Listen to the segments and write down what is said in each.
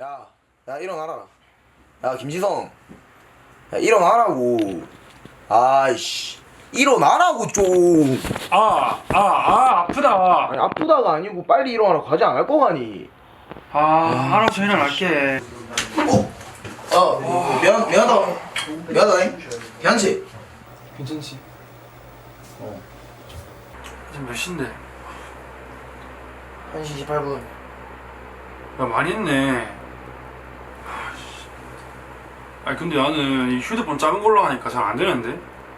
야 일어나라. 야 김지성. 야 일어나라고. 아이씨. 일어나라고 좀. 아프다. 아니 아프다가 아니고 빨리 일어나라. 과제 안 할 거가니. 알아서 일어날게. 미안하다. 괜찮지? 괜찮지? 지금 몇 시인데? 1시 18분. 야, 많이 했네. 아니 근데 나는 이 휴대폰 작은 걸로 하니까 잘 안 되는데?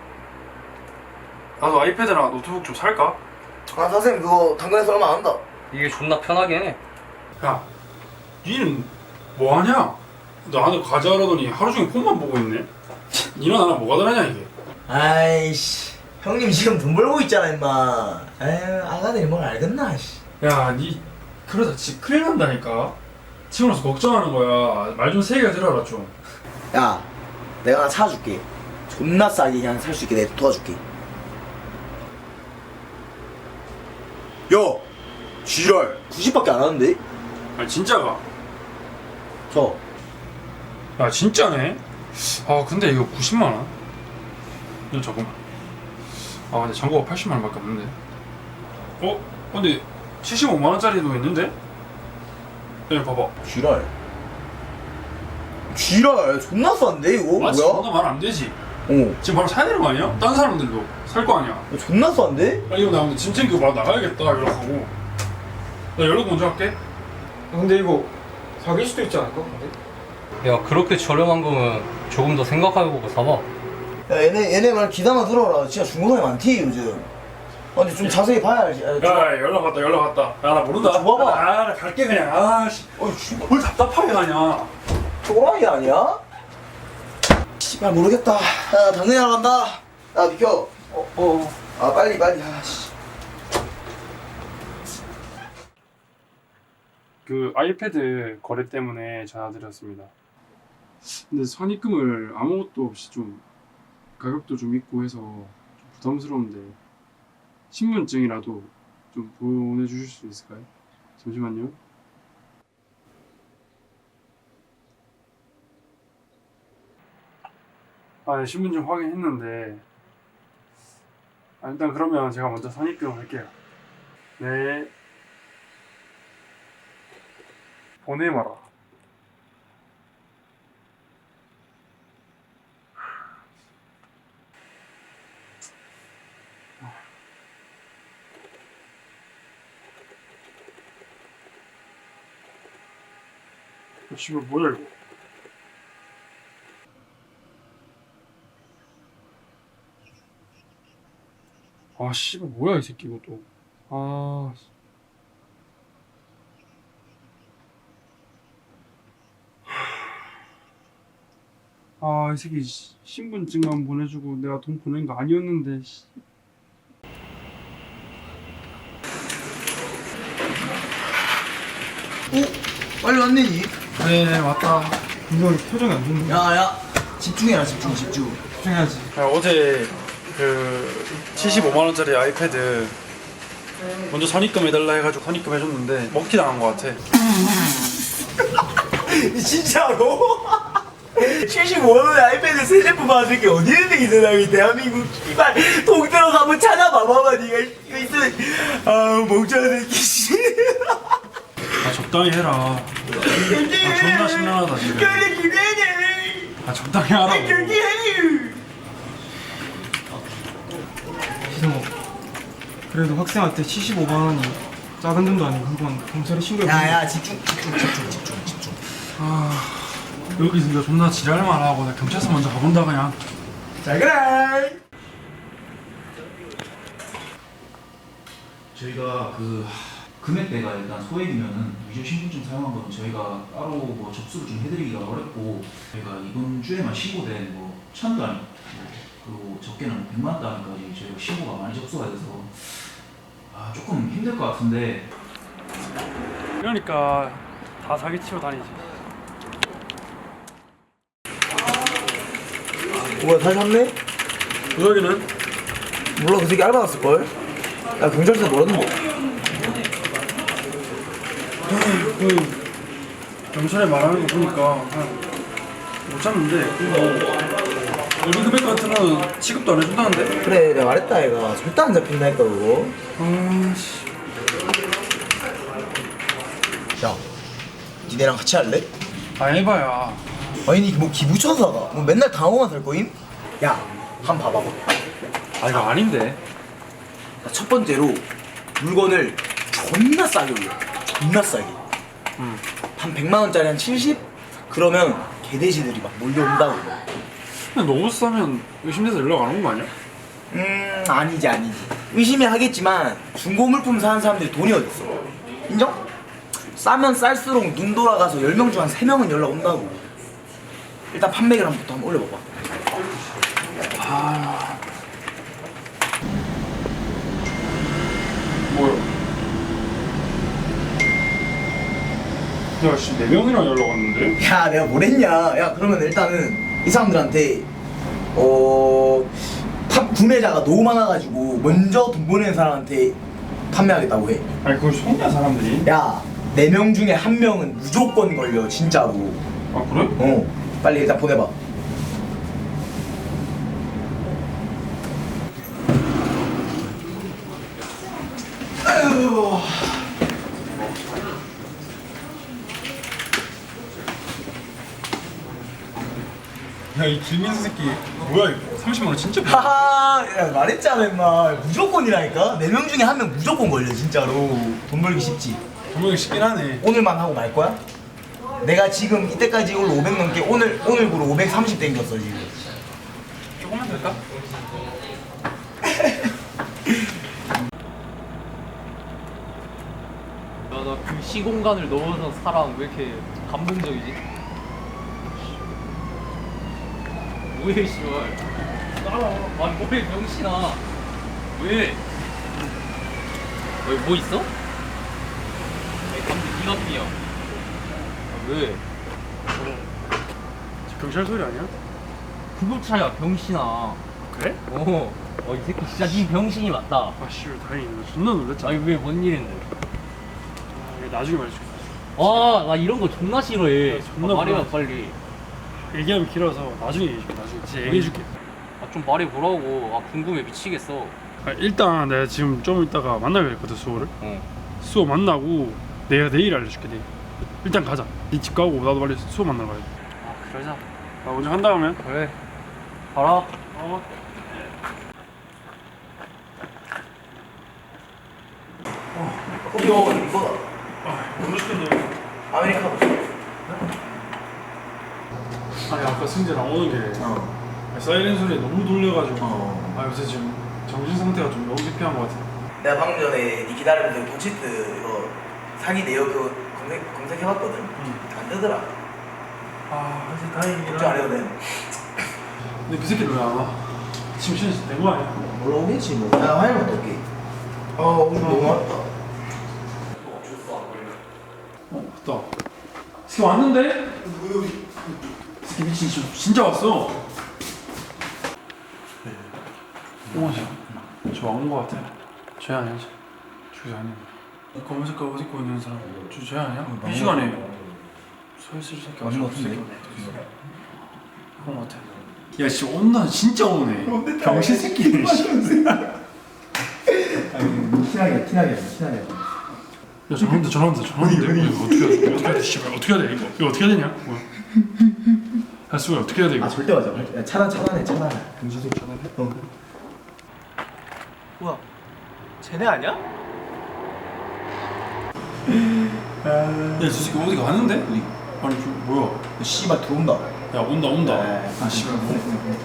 나도 아이패드나 노트북 좀 살까? 아 선생님 그거 당근에서 얼마 안 한다. 이게 존나 편하긴 해. 야, 니는 뭐하냐? 나는 과제하라더니 하루 종일 폰만 보고 있네? 니랑 나랑 뭐가 다르냐 이게? 아이씨 형님 지금 돈 벌고 있잖아 임마. 에휴 아가들이 뭘 알겠나 씨. 야, 니 그러다 집 큰일 난다니까? 지금 와서 걱정하는 거야. 말 좀 세게 들어라 좀. 야 내가 하나 사줄게. 존나 싸게 그냥 살 수 있게 내가 도와줄게. 야 지랄 90밖에 안 하는데? 아니 진짜가? 저 야 진짜네? 근데 이거 90만 원? 이거 잠깐만. 근데 잔고가 80만 원밖에 없는데. 근데 75만 원짜리도 있는데? 야 봐봐. 지랄 존나 싼데 이거? 맞지? 뭐야? 존나 말안 되지. 어 지금 바로 사야 되는 거 아니야? 다른 사람들도 살 거 아니야. 존나 싼데? 이거 나 근데 짐 챙기고 바로 나가야겠다 이러고. 나 연락 먼저 할게. 근데 이거 사귈 수도 있지 않을까? 근데? 야, 그렇게 저렴한 거면 조금 더 생각해보고 사봐. 야 얘네 말 기다만 들어라. 진짜 중고상이 많대 요즘. 근데 좀 자세히 봐야 알지. 야 연락 왔다. 야 나 모른다. 줘봐봐. 나 갈게 그냥. 뭘 답답하게 가냐. 또라이 아니야? 씨발 모르겠다. 야 당근이 나간다. 야 비켜. 아 빨리 아씨. 그 아이패드 거래 때문에 전화드렸습니다. 근데 선입금을 아무것도 없이 좀 가격도 좀 있고 해서 좀 부담스러운데 신분증이라도 좀 보내주실 수 있을까요? 잠시만요. 네, 신분증 확인했는데 일단 그러면 제가 먼저 선입금을 할게요. 네. 보내마라. 씨발 뭐야 이거? 씨발 뭐야 이 새끼 이것도. 이 새끼 신분증만 보내주고 내가 돈 보낸 거 아니었는데. 빨리 왔네. 네 왔다. 이거 표정이 안 좋네. 야야 집중해라 집중. 집중해야지. 어제 그 75만 원짜리 아이패드 먼저 선입금 해달라 해가지고 선입금 해줬는데 먹튀 당한 거 같아. 진짜로? 75만원에 아이패드 새 제품 받을 게 어디 있는데 이 세상에. 대한민국 씨발 동대로 가면 찾아봐봐봐 니가. 이거 있어. 멍청한 새끼. 적당히 해라. 존나 심란하다 지금. 적당히 하라고. 기성아, 그래도 학생한테 75만 원이 작은 돈도 아니고 한번 경찰에 신고해. 야야 집중. 여기 있으니까 존나 지랄만 하고 나 경찰서 먼저 가본다 그냥. 잘 그래. 저희가 그 금액대가 일단 소액이면은 위조 신분증 사용한 거는 저희가 따로 뭐 접수를 좀 해드리기가 어렵고, 저희가 이번 주에만 신고된 뭐 1000단 그리고 적게는 100만 단까지 저희가 신고가 많이 접수가 돼서 조금 힘들 것 같은데. 그러니까 다 사기치고 다니지. 뭐야 다시 샀네? 구석이는? 몰라 그 새끼 알바 났을걸? 야 경찰서 멀었는데. 경찰에 말하는 거 보니까 못 잡는데 우리 금액 같은 거는 취급도 안 해준다는데? 그래 내가 말했다 얘가 절대 안 잡힌다니까 그거. 아씨 야 니네랑 같이 할래? 아 해봐야. 아니 니 뭐 기부천사가 뭐 맨날 당호만 살 거임? 야 한 번 봐봐. 아 이거 아닌데. 첫 번째로 물건을 존나 싸게 올려. 존나 싸게. 한 100만 원짜리 한 70? 그러면 개돼지들이 막 몰려온다고. 근데 너무 싸면 의심돼서 연락 안 오는 거 아니야? 아니지. 의심이 하겠지만 중고 물품 사는 사람들이 돈이 어딨어. 인정? 싸면 쌀수록 눈 돌아가서 10명 중 한 3명은 연락 온다고. 일단 판매계란부터 한번 올려봐봐. 뭐야? 야, 씨, 4명이랑 연락 왔는데? 야 내가 뭘 했냐. 야 그러면 일단은 이 사람들한테 팝 구매자가 너무 많아가지고 먼저 돈 보내는 사람한테 판매하겠다고 해. 아니, 그걸 속냐, 사람들이? 야 4명 중에 1명은 무조건 걸려 진짜로. 아, 그래? 빨리 일단 보내봐. 아유. 야, 이 김민수 새끼, 뭐야, 이거? 30만 원 진짜 뭐야? 하하, 야, 말했잖아 임마. 무조건이라니까. 4명 중에 1명 무조건 걸려 진짜로. 돈 벌기 쉽지. 분명히 쉽긴 하네. 오늘만 하고 말 거야? 내가 지금 이때까지 이걸로 500 넘게 오늘부로 530 땡겼어 지금. 조금만 될까? 나 그 시공간을 넘어서 사람 왜 이렇게 감동적이지? 뭐해 씨발 따라와. 아니 뭐해 병신아. 왜? 뭐 있어? 감독 니가 뿐이야. 왜? 경찰 소리 아니야? 구급차야 병신아. 그래? 이 새끼 진짜 니 병신이 맞다. 아, 씨, 다행이네. 존나 놀랬잖아. 아니 왜 뭔 일인데? 이거 나중에 말해줄게. 나 이런 거 존나 싫어해. 존나 말해봐 몰라. 빨리. 얘기하면 길어서 나중에 얘기해줄게. 나중에 진짜 얘기해줄게. 좀 말해보라고. 궁금해 미치겠어. 아, 일단 내가 지금 좀 이따가 만나기로 했거든, 수호를. 수호 만나고 내가 내일 알려줄게. 내일. 일단 가자. 네 집 가고 나도 빨리 수호 만나러 가야 돼. 그러자. 나 먼저 한 다음에. 그래. 가라. 이거다. 너무 시켰네. 아메리카노. 아니, 아까 승재 나오는 게 사이렌 소리에 너무 돌려가지고 아, 요새 지금 정신 상태가 좀 너무 피폐한 것 같아. 내가 방금 전에 니 기다리면서 도치트 이거 사기 내역 그거 검색해봤거든. 안 뜨더라. 아, 사실 다행이긴 걱정 안 해도 돼. 근데 그 새끼는 왜 안 와? 지금 시간 된 거 아니야? 올라오겠지 뭐. 야 화장실 갔다 올게. 오늘 너무 왔다. 맞다. 새끼 왔는데? 새끼 미친 진짜 왔어. 옹호씨, 저 온 거 같아. 쟤 아니야? 쟤 아니야. 이 검은 색깔 옷 입고 있는 사람 쟤 아니야? 이 시간에 서 있을 새끼 맞는 거 같은데? 그런 거 같아. 야, 씨 온나 진짜 오네. 병신 새끼네. 티나게. 야, 전화한다. 이거 어떻게 해야 돼? 씨발, 어떻게 해야 돼? 이거 어떻게 해야 되냐? 뭐야? 야, 수호야, 어떻게 해야 돼 이거? 절대 맞아. 야, 차단해. 금지도 차단해? 뭐야? 쟤네 아니야? 야, 저 새끼 어디 가는데? 아니, 저 뭐야? 씨발 들어온다. 야, 온다. 아, 씨발, 뭐.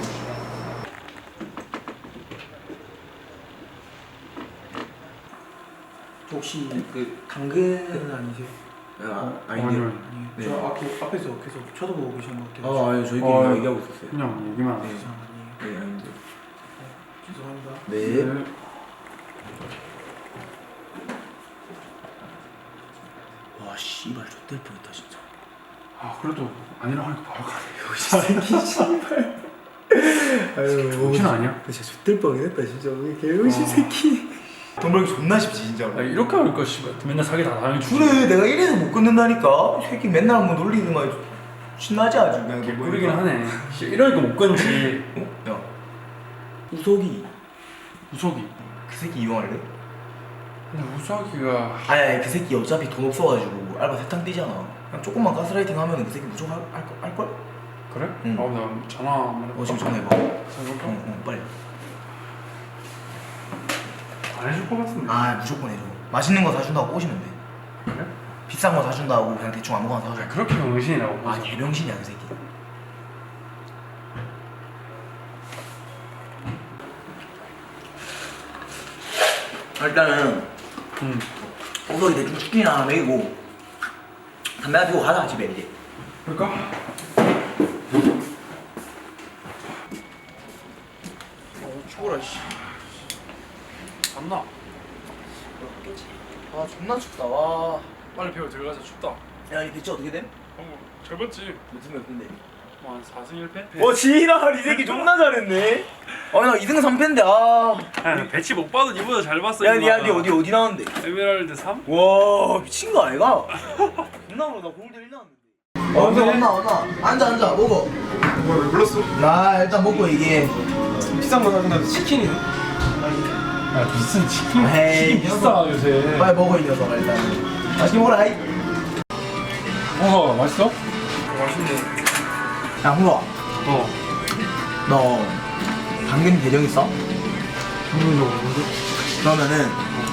혹시 그 당근은 아니세요? 아니요. 네. 저 앞에서 계속 쳐다보고 계신 것 같아요. 아니 저희끼리 어, 얘기하고 있었어요. 그냥 얘기만 하자. 네, 아닌데. 죄송합니다. 네. 와 씨발 좆될 뻔했다 진짜. 아, 그래도 아니라고 하니까 바로 가네. 이거 씨발. 아유 정신 아니야? 진짜 좆될 뻔했다 진짜. 우리 개의신 새끼. 돈 벌기 존나 쉽지 진짜로. 야, 이렇게 하니까 씨발 맨날 사기 다 당해주지. 그래 내가 이래서 못 끊는다니까. 이 새끼 맨날 한번 놀리더만 신나지 아주 그냥. 개꿀이긴 하네. 씨, 이러니까 못 끊지. 어? 야 우석이 우석이. 그 새끼 이용할래? 근데 우석이가 아니 그 새끼 어차피 돈 없어가지고 알바 세탕 뛰잖아. 그냥 조금만 가스라이팅 하면 그 새끼 무조건 할걸? 그래? 응. 나 전화 한번 해볼까? 지금 전화해봐. 전화해볼까? 응 빨리. 안 해줄 것 같은데. 아 무조건 해줘. 맛있는 거 사준다고 꼬시면 돼. 그래? 비싼 거 사준다고 그냥 대충 아무거나 사줘. 그렇게 병신이라고. 아 개병신이야 그 새끼. 일단은 우석이 대충 치킨이나 하나 먹이고 담배 하나 피우고 가자 집에 이제. 그럴까? 추워라 씨. 안 나. 그렇겠지. 아 존나 춥다 와. 빨리 배워 들어가자. 춥다. 야이 배치 어떻게 됨? 잘 봤지? 몇승 몇 분데? 뭐한 4승 1패? 어 지랄 이 새끼 존나 잘했네. 아나 2승 3패인데 아. 야, 배치 못 봐도 니보다 잘 봤어. 야니 어디 나왔는데? 에메랄드 3? 와 미친 거 아이가? 존나 모르다 골드 1 나왔는데. 왔나 앉아 먹어. 뭐야 왜 불렀어? 나 일단 먹고 얘기해. 비싼 거 사준다면서 치킨이네? 야 무슨 치킨 에이 비싸 요새. 빨리 먹어 이 녀석아 일단. 맛있게 먹어라 이. 맛있어? 맛있네. 야 홍로아 어. 너 당근 계정 있어? 당근이 없는데? 그러면은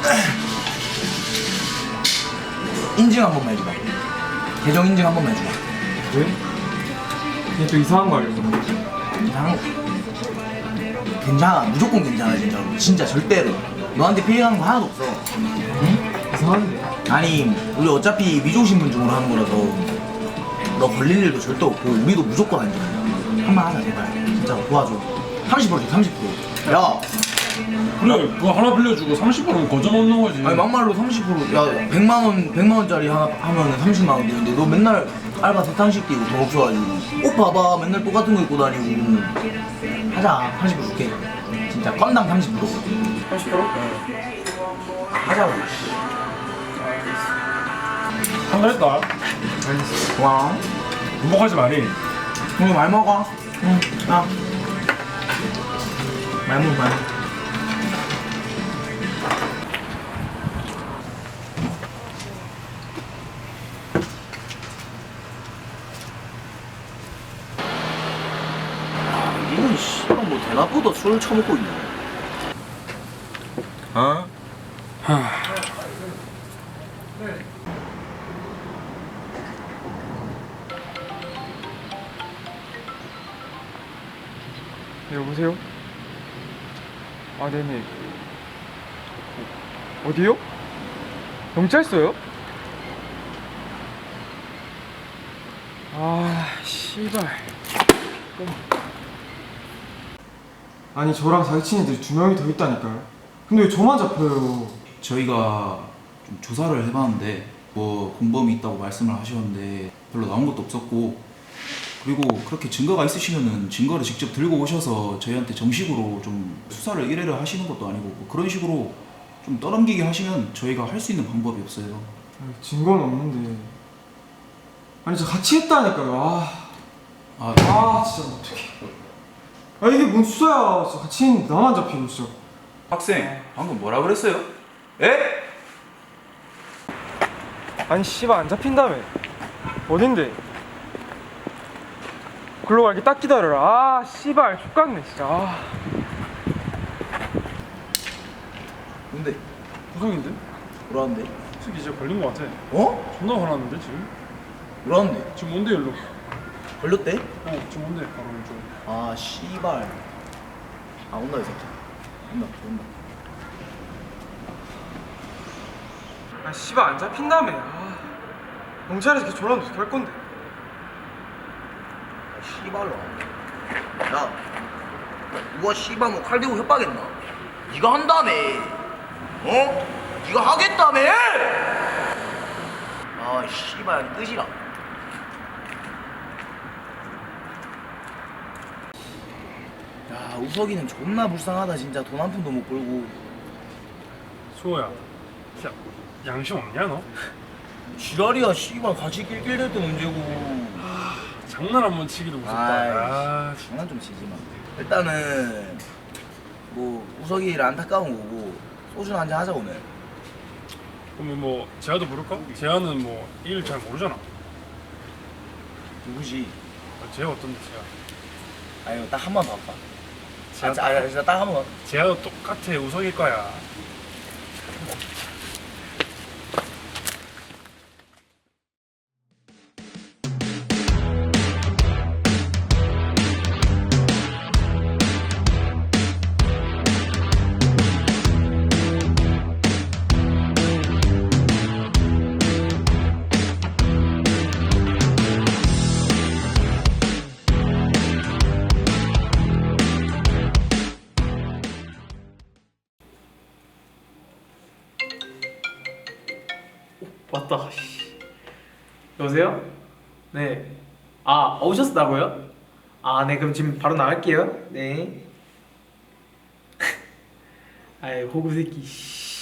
인증 한 번만 해주라. 계정 인증 한 번만 해주라. 왜? 얘 또 이상한 거 알려줘. 이상한 거 괜찮아. 무조건 괜찮아 진짜로. 진짜 절대로 너한테 피해가는 거 하나도 없어. 응? 이상한데? 아니 우리 어차피 위조신분증으로 하는 거라서 너 걸릴 일도 절대 없고 우리도 무조건 안전해. 한번 하자 제발. 진짜 도와줘. 30%지 30%. 야 그래 그거 하나 빌려주고 30%는 거저 먹는 거지. 아니 막말로 30%. 야 100만원짜리 하나 하면은 30만원 되는데 너 맨날 알바 세탕식 뛰고 돈 없어가지고 옷 봐봐 맨날 똑같은 거 입고 다니고. 하자 30% 줄게. 진짜 건당 30%. 30%? 하자고. 한달했다. 알겠어. 고마워. 반복하지 마니. 오늘 많이 먹어. 응. 야. 많이 먹어 많이. 이건 씨발 뭐 대낮보다 술을 처먹고 있네. 어? 네, 여보세요? 아 네네. 어디요? 경찰서요? 아 씨발. 아니 저랑 사기친 애들이 2명이 더 있다니까요. 근데 왜 저만 잡혀요? 저희가 좀 조사를 해봤는데 뭐 공범이 있다고 말씀을 하셨는데 별로 나온 것도 없었고, 그리고 그렇게 증거가 있으시면은 증거를 직접 들고 오셔서 저희한테 정식으로 좀 수사를 의뢰를 하시는 것도 아니고 뭐 그런 식으로 좀 떠넘기게 하시면 저희가 할 수 있는 방법이 없어요. 아니, 증거는 없는데. 아니 저 같이 했다니까요. 진짜 어떡해. 아 이게 뭔 수사야. 진짜 같이 했는데 나만 잡히고 진짜. 학생 방금 뭐라 그랬어요? 에? 아니 씨발 안 잡힌다며. 어딘데? 글로 갈게 딱 기다려라. 아 씨발 족같네 진짜. 뭔데? 구성인데? 뭐라는데? 특히 이제 걸린 거 같아. 어? 존나 화났는데 지금? 뭐라는데? 지금 뭔데 연락? 걸렸대? 지금 뭔데? 바로 왼쪽. 아 씨발. 아 온다 이 새끼. 온다. 아 씨발 안 잡힌다며. 경찰에서 이렇게 전화하면 어떻게 할 건데? 아 씨발로. 야 누가 씨발 뭐 칼 들고 협박했나? 네가 한다며. 어? 네가 하겠다며. 아 씨발 뜻이라. 야 우석이는 존나 불쌍하다 진짜. 돈 한 푼도 못 벌고 수호야, 진짜 양심 없냐 너? 지랄이야 씨발 같이 낄낄댈 때 문제고. 장난 한번 치기도 무섭다. 아, 장난 좀 치지 마. 일단은 뭐 우석이를 안타까운 거고 소주나 한잔 하자 오늘. 그러면 뭐 재하도 부를까? 재하는 뭐 일 잘 모르잖아. 누구지? 재하 어떤데 재하? 아니 딱 한 번 봐봐. 재하, 진짜 딱 한 번. 재하도 똑같아 우석일 거야. 왔다. 여보세요? 네. 아, 오셨다고요? 아, 네. 그럼 지금 바로 나갈게요. 네. 아이, 호구 새끼.